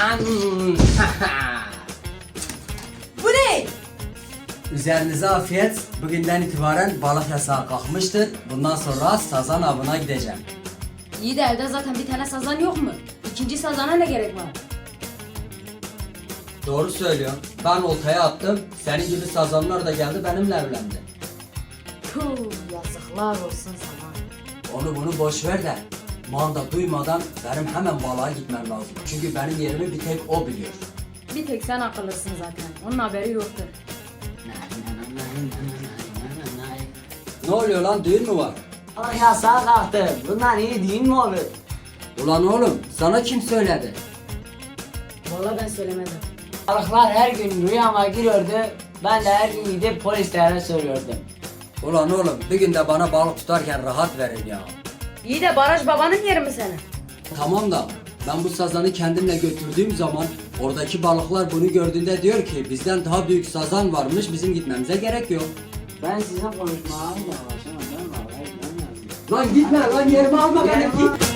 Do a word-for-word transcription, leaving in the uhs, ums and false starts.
Bu ne? Üzerinize afiyet. Bugünden itibaren balık yasağı kalkmıştır. Bundan sonra sazan avına gideceğim. İyi de evde zaten bir tane sazan yok mu? İkinci sazana ne gerek var? Doğru söylüyorsun. Ben oltaya attım. Senin gibi sazanlar da geldi benimle evlendi. Puh, yazıklar olsun sana. Onu bunu boş ver de manda duymadan benim hemen balığa gitmem lazım. Çünkü benim yerimi bir tek o biliyor. Bir tek sen akıllısın zaten. Onun haberi yoktur. Ne oluyor lan, düğün mü var? Balık yasağı kalktı. Bundan iyi değil mi olur? Ulan oğlum, sana kim söyledi? Vallahi ben söylemedim. Balıklar her gün rüyama giriyordu. Ben de her gün gidip polislere soruyordum. Ulan oğlum, bir gün de bana balık tutarken rahat verin ya. İyi de baraj babanın yeri mi senin? Tamam da ben bu sazanı kendimle götürdüğüm zaman oradaki balıklar bunu gördüğünde diyor ki bizden daha büyük sazan varmış, bizim gitmemize gerek yok. Ben sizin konuşmalarınızla başlamadım. Lan gitme lan, yerimi alma beni, git.